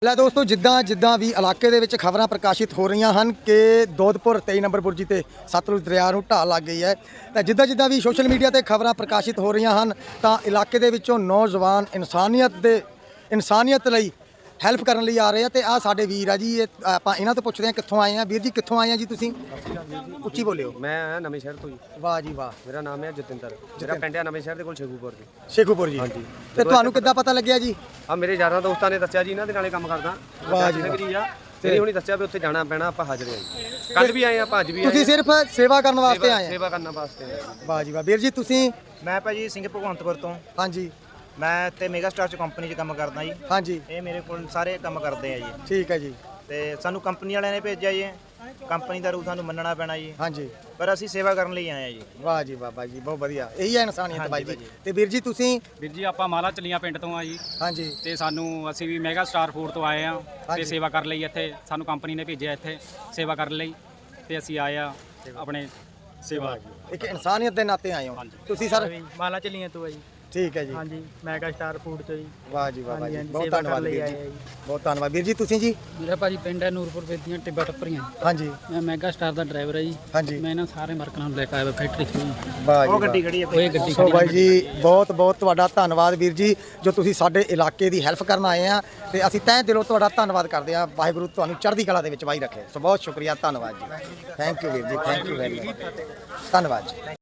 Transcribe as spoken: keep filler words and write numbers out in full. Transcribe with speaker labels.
Speaker 1: ਲੈ ਦੋਸਤੋ ਜਿੱਦਾਂ ਜਿੱਦਾਂ ਵੀ ਇਲਾਕੇ ਦੇ ਵਿੱਚ ਖਬਰਾਂ ਪ੍ਰਕਾਸ਼ਿਤ ਹੋ ਰਹੀਆਂ ਹਨ ਕਿ ਦੋਦਪੁਰ ਤੇਈ ਨੰਬਰ ਬੁਰਜੀ ਤੇ ਸਤਲੁਜ ਦਰਿਆ ਨੂੰ ਢਾਹ ਲੱਗ ਗਈ ਹੈ ਤਾਂ ਜਿੱਦਾਂ ਜਿੱਦਾਂ ਵੀ ਸੋਸ਼ਲ ਮੀਡੀਆ ਤੇ ਖਬਰਾਂ ਪ੍ਰਕਾਸ਼ਿਤ ਹੋ ਰਹੀਆਂ ਹਨ ਤਾਂ ਇਲਾਕੇ ਦੇ ਵਿੱਚੋਂ ਨੌਜਵਾਨ ਇਨਸਾਨੀਅਤ ਦੇ ਇਨਸਾਨੀਅਤ ਲਈ ਹੈਲਪ ਕਰਨ ਲਈ ਆ ਰਹੇ ਆ ਤੇ ਆ ਸਾਡੇ ਵੀਰ ਆ ਜੀ ਇਹ ਆਪਾਂ ਇਹਨਾਂ ਤੋਂ ਪੁੱਛਦੇ ਆ ਕਿੱਥੋਂ ਆਏ ਆ ਵੀਰ ਜੀ ਕਿੱਥੋਂ ਆਏ ਆ ਜੀ ਤੁਸੀਂ ਉੱਚੀ ਬੋਲਿਓ।
Speaker 2: ਮੈਂ ਆਇਆ ਨਵੇਂ ਸ਼ਹਿਰ ਤੋਂ ਜੀ।
Speaker 1: ਵਾਹ ਜੀ ਵਾਹ।
Speaker 2: ਮੇਰਾ ਨਾਮ ਹੈ ਜਤਿੰਦਰ। ਮੇਰਾ ਪਿੰਡ ਹੈ ਨਵੇਂ ਸ਼ਹਿਰ ਦੇ ਕੋਲ ਸ਼ੇਖੂਪੁਰ ਜੀ।
Speaker 1: ਸ਼ੇਖੂਪੁਰ ਜੀ ਹਾਂਜੀ। ਤੇ ਤੁਹਾਨੂੰ ਕਿੱਦਾਂ ਪਤਾ ਲੱਗਿਆ ਜੀ?
Speaker 2: ਆ ਮੇਰੇ ਯਾਰਾਂ ਦੋਸਤਾਂ ਨੇ ਦੱਸਿਆ ਜੀ ਇਹਨਾਂ ਦੇ ਨਾਲੇ ਕੰਮ ਕਰਦਾ।
Speaker 1: ਵਾਹ ਜੀ
Speaker 2: ਵਾਹ। ਤੇਰੀ ਹੁਣੀ ਦੱਸਿਆ ਵੀ ਉੱਥੇ ਜਾਣਾ ਪੈਣਾ ਆਪਾਂ ਹਾਜ਼ਰ ਹਾਂ ਜੀ। ਕੱਲ ਵੀ ਆਏ ਆ ਅੱਜ ਵੀ ਆਏ।
Speaker 1: ਤੁਸੀਂ ਸਿਰਫ ਸੇਵਾ ਕਰਨ ਵਾਸਤੇ ਆਏ ਆ?
Speaker 2: ਸੇਵਾ ਕਰਨ ਵਾਸਤੇ ਆਏ।
Speaker 1: ਵਾਹ ਜੀ ਵਾਹ। ਵੀਰ ਜੀ ਤੁਸੀਂ?
Speaker 3: ਮੈਂ ਭਾਜੀ ਸਿੰਘ ਭਗਵੰਤਪੁਰ ਤੋਂ।
Speaker 1: ਹਾਂਜੀ।
Speaker 3: ਮੈਂ ਤੇ ਮੈਗਾ ਸਟਾਰ ਚ ਕੰਪਨੀ 'ਚ ਕੰਮ ਕਰਦਾ ਜੀ।
Speaker 1: ਹਾਂਜੀ।
Speaker 3: ਇਹ ਮੇਰੇ ਕੋਲ ਸਾਰੇ ਕੰਮ ਕਰਦੇ ਆ ਜੀ।
Speaker 1: ਠੀਕ ਹੈ ਜੀ।
Speaker 3: ਤੇ ਸਾਨੂੰ ਕੰਪਨੀ ਵਾਲਿਆਂ ਨੇ ਭੇਜਿਆ ਜੀ। ਕੰਪਨੀ ਦਾ ਰੂਲ ਸਾਨੂੰ ਮੰਨਣਾ ਪੈਣਾ ਜੀ।
Speaker 1: ਹਾਂਜੀ।
Speaker 3: ਪਰ ਅਸੀਂ ਸੇਵਾ ਕਰਨ ਲਈ ਆਏ ਆ ਜੀ।
Speaker 1: ਵਾਹ ਜੀ ਵਾਹ ਜੀ ਬਹੁਤ ਵਧੀਆ। ਇਹੀ ਹੈ ਇਨਸਾਨੀਅਤ ਬਾਈ ਜੀ। ਤੇ ਵੀਰ ਜੀ ਤੁਸੀਂ?
Speaker 4: ਵੀਰ ਜੀ ਆਪਾਂ ਮਾਲਾ ਚਲੀਆਂ ਪਿੰਡ ਤੋਂ ਆ ਜੀ।
Speaker 1: ਹਾਂਜੀ।
Speaker 4: ਤੇ ਸਾਨੂੰ ਅਸੀਂ ਵੀ ਮੈਗਾ ਸਟਾਰ ਫੂਡ ਤੋਂ ਆਏ ਆ ਤੇ ਸੇਵਾ ਕਰਨ ਲਈ ਇੱਥੇ ਸਾਨੂੰ ਕੰਪਨੀ ਨੇ ਭੇਜਿਆ ਇੱਥੇ ਸੇਵਾ ਕਰਨ ਲਈ ਤੇ ਅਸੀਂ ਆਏ ਆ ਆਪਣੇ ਸੇਵਾ
Speaker 1: ਇੱਕ ਇਨਸਾਨੀਅਤ ਦੇ ਨਾਤੇ ਆਏ ਹੋ ਤੁਸੀਂ ਸਰ?
Speaker 5: ਮਾਲਾ ਚਲੀਆਂ ਤੋਂ ਆ ਜੀ।
Speaker 1: ਠੀਕ ਹੈ ਜੀ।
Speaker 5: ਹਾਂਜੀ ਮੈਗਾ ਸਟਾਰ ਫੂਡ ਤੋਂ ਜੀ।
Speaker 1: ਵਾਹ ਜੀ ਵਾਹ ਜੀ ਬਹੁਤ
Speaker 5: ਸੇਵਾ
Speaker 1: ਧੰਨਵਾਦ
Speaker 5: ਕਰਨ ਲਈ
Speaker 1: ਵੀਰ
Speaker 5: ਆਏ
Speaker 1: ਜੀ।
Speaker 5: ਆ ਜੀ।
Speaker 1: ਬਹੁਤ ਧੰਨਵਾਦ ਵੀਰ ਜੀ ਤੁਸੀਂ ਜੀ?
Speaker 6: ਮੇਰਾ ਭਾਜੀ ਪਿੰਡ ਹੈ ਨੂਰਪੁਰ ਵੇਦੀਆਂ ਟਿੱਬਾ ਟੱਪਰੀਆਂ।
Speaker 1: ਹਾਂਜੀ।
Speaker 6: ਮੈਂ ਮੈਗਾ ਸਟਾਰ ਦਾ ਡਰਾਈਵਰ ਹੈ ਜੀ।
Speaker 1: ਹਾਂਜੀ।
Speaker 6: ਮੈਂ ਇਹਨਾਂ ਸਾਰੇ ਵਰਕਰਾਂ ਨੂੰ ਲੈ ਕੇ ਆਇਆ ਫੈਕਟਰੀ 'ਚ।
Speaker 1: ਵਾਹ ਜੀ
Speaker 3: ਉਹ ਗੱਡੀ ਖੜੀ ਹੈ।
Speaker 6: ਉਹ ਇਹ ਗੱਡੀ
Speaker 1: ਸੋ ਬਾਈ ਜੀ ਬਹੁਤ ਬਹੁਤ ਤੁਹਾਡਾ ਧੰਨਵਾਦ ਵੀਰ ਜੀ ਜੋ ਤੁਸੀਂ ਸਾਡੇ ਇਲਾਕੇ ਦੀ ਹੈਲਪ ਕਰਨ ਆਏ ਆ ਤੇ ਅਸੀਂ ਤਹਿ ਦਿਲੋਂ ਤੁਹਾਡਾ ਧੰਨਵਾਦ ਕਰਦੇ ਆ। ਵਾਹਿਗੁਰੂ ਤੁਹਾਨੂੰ ਚੜ੍ਹਦੀ ਕਲਾ ਦੇ ਵਿੱਚ ਬਾਈ ਰੱਖੇ। ਸੋ ਬਹੁਤ ਸ਼ੁਕਰੀਆ ਧੰਨਵਾਦ ਜੀ। ਥੈਂਕ ਯੂ ਵੀਰ ਜੀ ਥੈਂਕ ਯੂ ਵੈਰੀ ਮਚ ਧੰਨਵਾਦ ਜੀ।